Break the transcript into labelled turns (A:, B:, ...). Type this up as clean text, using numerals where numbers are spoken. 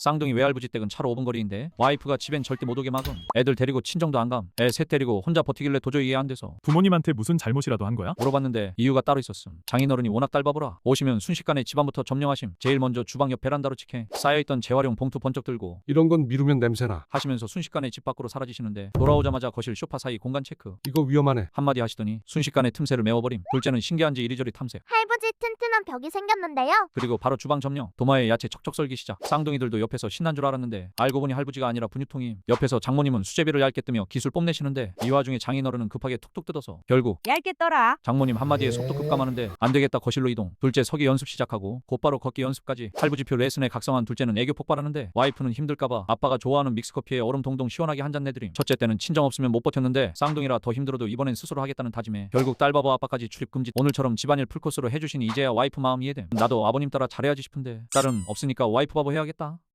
A: 쌍둥이 외할부지 댁은 차로 5분 거리인데 와이프가 집엔 절대 못 오게 막음. 애들 데리고 친정도 안 감. 애 셋 데리고 혼자 버티길래 도저히 이해 안 돼서
B: 부모님한테 무슨 잘못이라도 한 거야?
A: 물어봤는데 이유가 따로 있었음. 장인어른이 워낙 딸바보라. 오시면 순식간에 집안부터 점령하심. 제일 먼저 주방 옆 베란다로 직행. 쌓여있던 재활용 봉투 번쩍 들고
C: 이런 건 미루면 냄새나.
A: 하시면서 순식간에 집 밖으로 사라지시는데 돌아오자마자 거실 소파 사이 공간 체크.
C: 이거 위험하네.
A: 한마디 하시더니 순식간에 틈새를 메워버림. 둘째는 신기한지 이리저리 탐색.
D: 할부지 튼튼한 벽이 생겼는데요.
A: 그리고 바로 주방 점령. 도마에 야채 척척 썰기 시작. 쌍둥이들도 옆에서 신난 줄 알았는데 알고 보니 할부지가 아니라 분유통임. 옆에서 장모님은 수제비를 얇게 뜨며 기술 뽐내시는데 이 와중에 장인어른은 급하게 툭툭 뜯어서 결국
E: 얇게 떠라.
A: 장모님 한마디에 속도 급감하는데 안되겠다 거실로 이동. 둘째 서기 연습 시작하고 곧바로 걷기 연습까지. 할부지표 레슨에 각성한 둘째는 애교 폭발하는데 와이프는 힘들까봐 아빠가 좋아하는 믹스커피에 얼음 동동 시원하게 한 잔 내드림. 첫째 때는 친정 없으면 못 버텼는데 쌍둥이라 더 힘들어도 이번엔 스스로 하겠다는 다짐에 결국 딸바보 아빠까지 출입 금지. 오늘처럼 집안일 풀코스로 해주시니 이제야 와이프 마음 이해됨. 나도 아버님 따라 잘해야지 싶은데 딸은 없으니까 와이프 바보 해야겠다.